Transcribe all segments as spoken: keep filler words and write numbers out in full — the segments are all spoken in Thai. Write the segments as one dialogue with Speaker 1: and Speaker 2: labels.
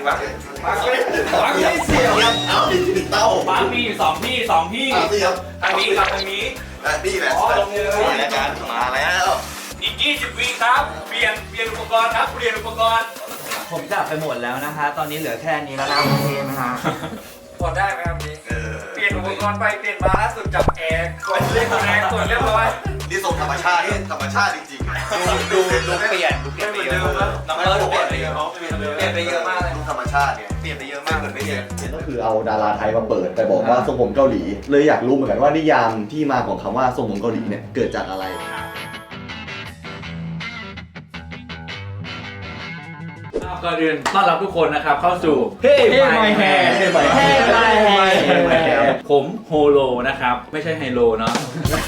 Speaker 1: วะปักเลยปักไม่เสียว
Speaker 2: เอาดิเต้า
Speaker 1: ปักมีอยู่สองที่สองที่ทางนี้กับทางนี้
Speaker 2: นี่แหละรายการมาแล้ว
Speaker 1: อีกยี่สิบวิครับเปลี่ยนเปลี่ยนอุปกรณ์ครับเปลี่ยนอุปกรณ์
Speaker 3: ผมจับไปหมดแล้วนะคะตอนนี้เหลือแค่นี้แล้วนะโอเคไหมฮะ
Speaker 1: พอได้ไหมครับนี้เปลี่ยนอุปกรณ์ไปเปลี่ยนมาล่าสุดจับแอร์กดเล่นแอร์กดเรียบร้อย
Speaker 2: นี่ทรงธรรมชาติธรรมชาติจริง
Speaker 3: ๆดูดูเปลี่ยนดูเปลี่ยนไปเยอะน้องเลิศเปลี่ยนไปเยอะเปลี่ยนไปเยอะมากเลย
Speaker 2: ธรรมชาติเนี่ยเปลี่ยนไปเยอะมากเหมือนไม่เยอะ
Speaker 4: ก็คือเอาดาราไทยมาเปิดแต่บอกว่าทรงผมเกาหลีเลยอยากรู้เหมือนกันว่านิยามที่มาของคำว่าทรงผมเกาหลีเนี่ยเกิดจากอะไร
Speaker 1: ก่อนอื่นต้อนรับทุกคนนะครับเข้าสู่เฮ้
Speaker 3: My Hair
Speaker 4: เฮ้ My
Speaker 3: Hair
Speaker 1: ผมโฮโลนะครับไม่ใช่ไฮโลเนาะ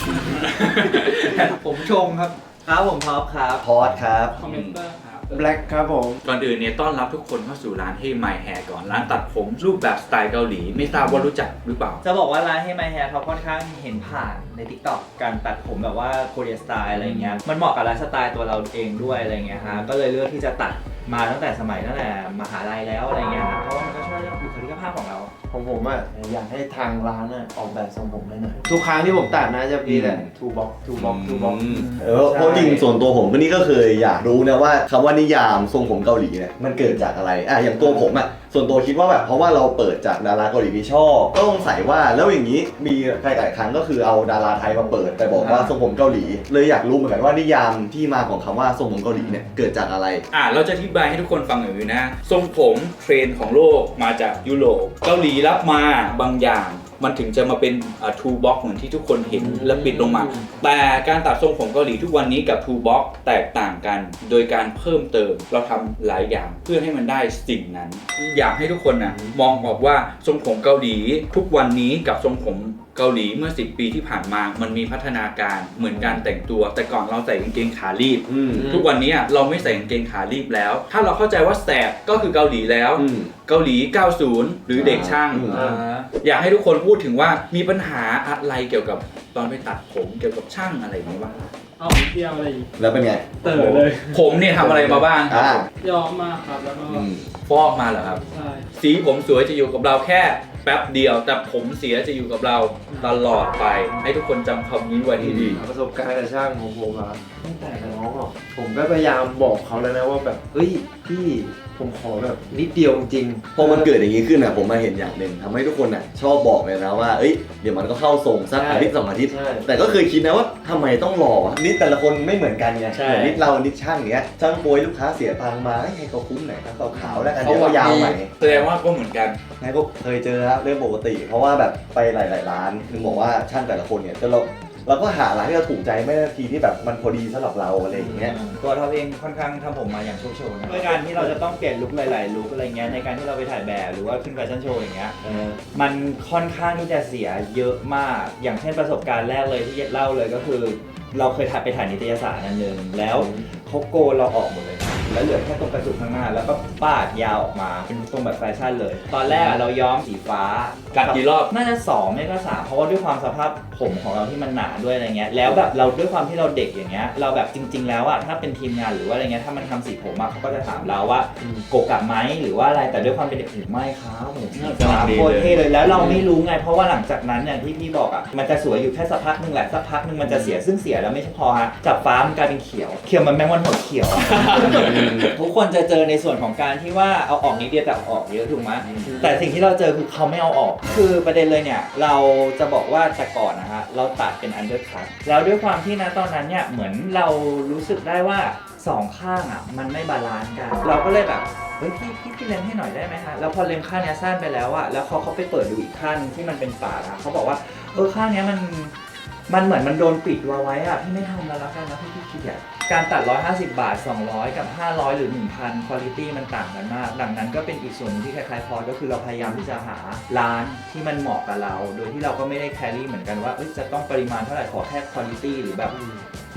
Speaker 3: ผมชงครับครับผมท็อปครับ
Speaker 4: พอดครับ
Speaker 1: คอมเมนเตอร์ครับ
Speaker 3: แบล็คครับผม
Speaker 1: ก่อนอื่นเนี่ยต้อนรับทุกคนเข้าสู่ร้านเฮ้ My Hair ก่อนร้านตัดผมรูปแบบสไตล์เกาหลีไม่ทราบว่ารู้จักหรือเปล่า
Speaker 3: จะบอกว่าร้านเฮ้ My Hair เขาค่อนข้างเห็นผ่านใน TikTok การตัดผมแบบว่าโคเรียสไตล์อะไรเงี้ยมันเหมาะกับไลฟ์สไตล์ตัวเราเองด้วยอะไรเงี้ยฮะก็เลยเลือกที่จะตัดมาตั้งแต่สมัยตั้งแต่มหาลัยแล้วอะไรเงี้ยเพราะว่ามันก็ช่วยเรื่องบุคลิกภาพของเรา
Speaker 5: ของผมอ่ะอยากให้ทางร้านอ่ะออกแบบทรงผมได้หน่อยทุกครั้งที่ผมตัดนะจะมีแต่ทูบ็อกทูบ็อกทูบ็อก
Speaker 4: เออเพราะจริงส่วนตัวผมก็นี่ก็เคยอยากรู้นะว่าคำว่านิยามทรงผมเกาหลีเนี่ยมันเกิดจากอะไรอ่ะอย่างตัวผมอ่ะส่วนตัวคิดว่าแบบเพราะว่าเราเปิดจากดาราเกาหลีที่ชอบก็สงสัยว่าแล้วอย่างนี้มีหลายๆครั้งก็คือเอาดาราไทยมาเปิดแต่บอกว่าทรงผมเกาหลีเลยอยากรู้เหมือนกันว่านิยามที่มาของคำว่าทรงผมเกาหลีเนี่ยเกิดจากอะไร
Speaker 1: อ่ะเราจะอธิบายให้ทุกคนฟังหน่อยนะทรงผมเทรนด์ของโลกมาจากยุโรปเกาหลีรับมาบางอย่างมันถึงจะมาเป็นทูบ็อกเหมือนที่ทุกคนเห็นแล้วปิดลงมาแต่การตัดทรงผมเกาหลีทุกวันนี้กับทูบ็อกแตกต่างกันโดยการเพิ่มเติมเราทำหลายอย่างเพื่อให้มันได้สิ่งนั้นอยากให้ทุกคนนะมองออกว่าทรงผมเกาหลีทุกวันนี้กับทรงผมเกาหลีเมื่อสิบปีที่ผ่านมามันมีพัฒนาการเหมือนการแต่งตัวแต่ก่อนเราใส่กางเกงขาลีบทุกวันนี้เราไม่ใส่กางเกงขาลีบแล้วถ้าเราเข้าใจว่าแสบก็คือเกาหลีแล้วเกาหลีเก้าสิบหรือเด็กช่างอยากให้ทุกคนพูดถึงว่ามีปัญหาอะไรเกี่ยวกับตอนไปตัดผมเกี่ยวกับช่างอะไรอย่างนี้บ้าง
Speaker 6: เอาเที่ยวอะไรอีก
Speaker 4: แล้วเป็นไง
Speaker 6: เติร์ดเลย
Speaker 1: ผมเนี่ยทำอะไรมาบ้างครับ
Speaker 6: ย้อมมาครับแล้วก็
Speaker 1: ฟอกมาเหรอครับ
Speaker 6: ใช่
Speaker 1: สีผมสวยจะอยู่กับเราแค่แป๊บเดียวแต่ผมเสียจะอยู่กับเราตลอดไปให้ทุกคนจำคำนี้ไว้ให้ดี
Speaker 5: ประสบการณ์กับช่างของผมอะตั้งแต่น้องอ่ะผมก็พยายามบอกเขาแล้วนะว่าแบบเฮ้ยพี่ผมขอแบบนิดเดียวจริง
Speaker 4: พอมันเกิดอย่างนี้ขึ้นอ่ะผมมาเห็นอย่างหนึ่งทำให้ทุกคนอ่ะชอบบอกเลยนะว่าเอ้ยเดี๋ยวมันก็เข้าทรงสักอาทิตย์สองอาทิตย์แต่ก็เคยคิดนะว่าทำไมต้องรอนิดแต่ละคนไม่เหมือนกันไงเหมือนนิดเรานิดช่างเนี้ยช่างโปรยลูกค้าเสียตังค์มาให้เขาคุ้มหน่อยเขาขาวแล้วกันเดี๋ยวเขายาวใหม่
Speaker 1: แสดงว่าก็เหมือนกัน
Speaker 4: นายก็เคยเจอครับเรื่องปกติเพราะว่าแบบไปหลายๆร้านถึงบอกว่าช่างแต่ละคนเนี่ยจะเราเราก็หาร้านที่เราถูกใจไม่ได้ทีที่แบบมันพอดีสำหรับเราอะไรอย่างเงี้ย
Speaker 3: ตัวเราเองค่อนข้างทำผมมาอย่างโชว์โชว์นะในการที่เราจะต้องเปลี่ยนลุคหลายๆลุคอะไรเงี้ยในการที่เราไปถ่ายแบบหรือว่าขึ้นแฟชั่นโชว์อย่างเงี้ยมันค่อนข้างที่จะเสียเยอะมากอย่างเช่นประสบการณ์แรกเลยที่เล่าเลยก็คือเราเคยถ่ายไปถ่ายนิตยสารนั่นนึงแล้วเขาโกนเราออกหมดเลยแล้วเหลือแค่ตรงกระจุกข้างหน้าแล้วก็ปาดยาวออกมาเป็นตรงแบบแฟชั่นเลยตอนแรกเราย้อมสีฟ้า
Speaker 1: กัดกี่รอบ
Speaker 3: น่าจะสองไม่ก็สามเพราะว่าด้วยความสภาพผมของเราที่มันหนาด้วยอะไรเงี้ยแล้วแบบเราด้วยความที่เราเด็กอย่างเงี้ยเราแบบจริงๆแล้วอะถ้าเป็นทีมงานหรือว่าอะไรเงี้ยถ้ามันทำสีผมมาเขาก็จะถามเราว่าโกกะไหมหรือว่าอะไรแต่ด้วยความเป็นเด็กไม่ครับผมโคตรเท่เลยแล้วเราไม่รู้ไงเพราะว่าหลังจากนั้นเนี่ยที่พี่บอกอะมันจะสวยอยู่แค่สักพักนึงแหละสักพักนึงมันจะเสียซึ่งเสียแล้วไม่ใช่พอฮะจับฟ้ามันกลายเป็นเขียวเขียวมันแมงวันหดเขียวทุกคนจะเจอในส่วนของการที่ว่าเอาออกนิดเดียวแต่เอาออกเยอะถูกไหมแต่สิ่งที่เราเจอคือเขาไม่เอาออกคือประเด็นเลยเนี่ยเราจะบอกว่าแต่ก่อนนะฮะเราตัดเป็นอันเดอร์คัทแล้วด้วยความที่นะตอนนั้นเนี่ยเหมือนเรารู้สึกได้ว่าสองข้างอ่ะมันไม่บาลานซ์กันเราก็เลยแบบเฮ้ยพี่พี่พี่เล็มให้หน่อยได้ไหมฮะแล้วพอเล็มข้างเนี้ยสั้นไปแล้วอะแล้วเขาเขาไปเปิดดูอีกข้างที่มันเป็นปากอะเขาบอกว่าเออข้างเนี้ยมันมันเหมือนมันโดนปิดวาไว้อะพี่ไม่ทำแล้วละกันนะพี่พี่ขี้เกียจการตัดหนึ่งร้อยห้าสิบบาทสองร้อยกับห้าร้อยหรือ หนึ่งพัน คุณภาพมันต่างกันมากดังนั้นก็เป็นอีกส่วนนึงที่คล้ายๆพอก็คือเราพยายามที่จะหาร้านที่มันเหมาะกับเราโดยที่เราก็ไม่ได้แครี่เหมือนกันว่าจะต้องปริมาณเท่าไหร่ขอแค่คุณภาพหรือแบบคุ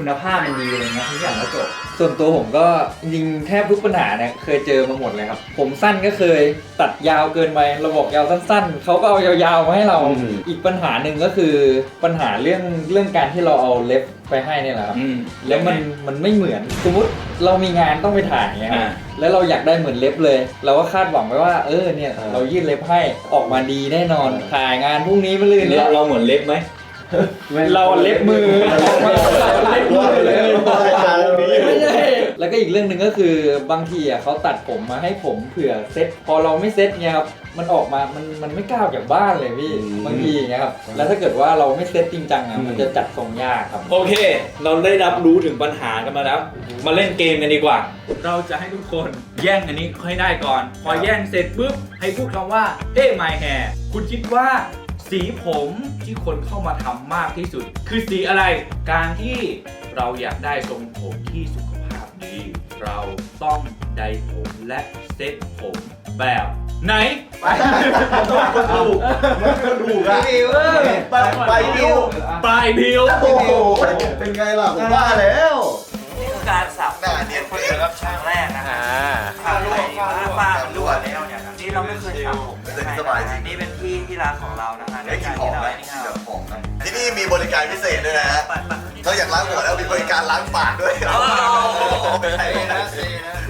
Speaker 3: คุณภาพมันดีอะไรเงี้ยทุกอย่างก็จบ
Speaker 7: ส่วนตัวผมก็จริงๆแทบทุกปัญหาเนี่ยเคยเจอมาหมดเลยครับ ผมสั้นก็เคยตัดยาวเกินไปเราบอกยาวสั้นๆเขาก็เอายาวๆมาให้เรา
Speaker 4: อืม
Speaker 7: อีกปัญหาหนึ่งก็คือปัญหาเรื่องเรื่องการที่เราเอาเล็บไปให้เนี่ยแหละครับ
Speaker 1: อืม
Speaker 7: แล้วมันมันไม่เหมือนสมมติเรามีงานต้องไปถ่ายเงี้ยครับ
Speaker 1: อ่า
Speaker 7: แล้วเราอยากได้เหมือนเล็บเลย เราก็คาดหวังไว้ว่าเออเนี่ยเรายื่นเล็บให้ออกมาดีแน่นอนถ่ายงานพรุ่งนี้มะรืนนี้
Speaker 1: เราเราเหมือนเล็บไหม
Speaker 7: เราเล็บมือออกมาเราเล็บมือเลย ไม่ใช่ แล้วก็อีกเรื่องหนึ่งก็คือบางทีอ่ะเขาตัดผมมาให้ผมเผื่อเซ็ตพอเราไม่เซ็ตเนี่ยครับมันออกมามันมันไม่กล้าออกจากบ้านเลยพี่
Speaker 4: อืม
Speaker 7: บางทีอย่างเงี้ยครับแล้วถ้าเกิดว่าเราไม่เซ็ตจริงจังอ่ะมันจะจัดทรงยากครับ
Speaker 1: โอเค เราได้รับรู้ถึงปัญหากันมาแล้ว มาเล่นเกมกันดีกว่า เราจะให้ทุกคนแย่งอันนี้ให้ได้ก่อน พอแย่งเสร็จปุ๊บให้พูดคำว่าเฮ้ my hair คุณคิดว่าสีผมที่คนเข้ามาทำมากที่สุด คือสีอะไร การที่เราอยากได้ทรงผมที่สุขภาพดี เราต้องไดผมและเซ็ตผมแบบไหน
Speaker 4: ต้องคนดูมันก็ดูอะ
Speaker 2: ไปไปดิว
Speaker 1: ปลายผิว
Speaker 4: โอ้โหเป็นไงล่ะผมว่าแล้ว
Speaker 8: นี่คือการสับ
Speaker 2: หน้าเนียน
Speaker 8: คน
Speaker 2: เป
Speaker 8: เดียว
Speaker 2: ค
Speaker 8: กับครั้งแรกนะฮะทำไปว่าฝ้ามันรั่วแล้วเนี่ยนะนี่เราไม่เคยทำผมเลยนะนี่เป็นพี่ที่ร้านของเรานะฮะ
Speaker 2: ได้กลินหอมไหม
Speaker 8: ที่
Speaker 2: กลิน
Speaker 8: เรา
Speaker 2: แบบหอมไหมที่นี่มีบริการพิเศษด้วยนะฮะ
Speaker 8: ปัดปัด
Speaker 2: นอกจากล้างหัวแล้วมีบริการล้างปากด้วย
Speaker 8: โอ้โห
Speaker 2: ไม่ใช่นะ